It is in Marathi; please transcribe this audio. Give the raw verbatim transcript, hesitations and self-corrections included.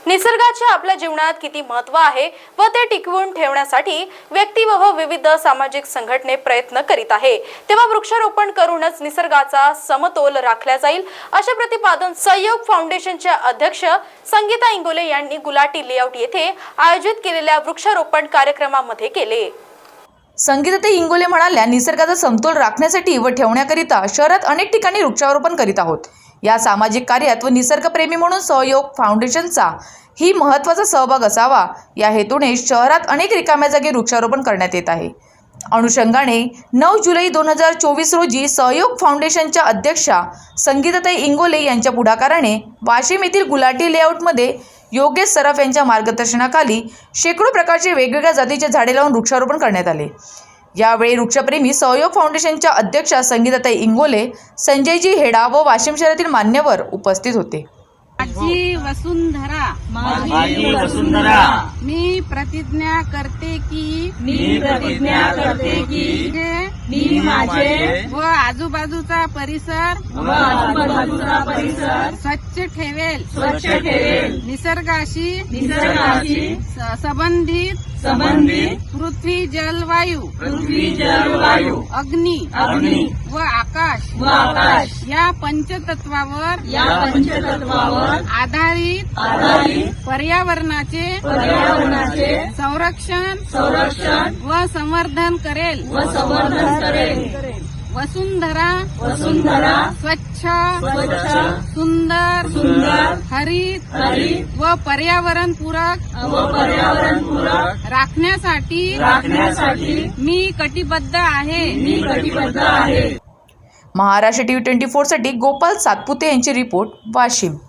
निसर्गाचे आपल्या जीवनात किती महत्त्व आहे व ते टिकवून ठेवण्यासाठी व्यक्ती व विविध सामाजिक संघटने प्रयत्न करीत आहे, तेव्हा वृक्षारोपण करूनच निसर्गाचा समतोल राखला जाईल, असे प्रतिपादन सहयोग फाउंडेशनच्या अध्यक्ष संगीता इंगोले यांनी गुलाटी लेआउट येथे आयोजित केलेल्या वृक्षारोपण कार्यक्रमामध्ये केले। संगीता इंगोले म्हणाल्या, निसर्गाचा समतोल राखण्यासाठी व ठेवण्याकरिता शहरात अनेक ठिकाणी वृक्षारोपण करीत आहोत। या सामाजिक कार्यात व निसर्गप्रेमी म्हणून सहयोग फाउंडेशनचा ही महत्त्वाचा सहभाग असावा, या हेतूने शहरात अनेक रिकाम्या जागी वृक्षारोपण करण्यात येत आहे। अनुषंगाने नऊ जुलै दोन हजार चोवीस रोजी सहयोग फाउंडेशनच्या अध्यक्षा संगीता इंगोले यांच्या पुढाकाराने वाशिम येथील गुलाटी लेआउटमध्ये योगेश सराफ यांच्या मार्गदर्शनाखाली शेकडो प्रकारचे वेगवेगळ्या जातीचे झाडे लावून वृक्षारोपण करण्यात आले। यावेळी वृक्षप्रेमी सहयोग फाउंडेशनच्या अध्यक्षा संगीता इंगोले, संजयजी हेडा व वाशिम शहरातील मान्यवर उपस्थित होते। माझी वसुंधरा, माझी वसुंधरा, मी प्रतिज्ञा करते की मी प्रतिज्ञा करते की मी माझे व आजूबाजूचा परिसर व आजूबाजूचा परिसर स्वच्छ ठेवेल, स्वच्छ ठेवेल, निसर्गाशी निसर्गाशी स- संबंधित संबंधित पृथ्वी जल वायू पृथ्वी जल वायू अग्नी अग्नी व आकाश व आकाश या पंचतत्वावर या पंचतत्वावर आधारित आधारित पर्यावरणाचे पर्यावरणाचे संरक्षण संरक्षण व संवर्धन करेल। व संवर्धन करेल। वसुंधरा वसुंधरा स्वच्छ स्वच्छ सुंदर सुंदर हरित हरित व पर्यावरण पूरक व पर्यावरण पूरक राखण्यासाठी राखण्यासाठी मी कटिबद्ध आहे। मी कटिबद्ध आहे। महाराष्ट्र टीव्ही ट्वेंटी फोर साठी गोपाल सातपुते यांची रिपोर्ट, वाशिम।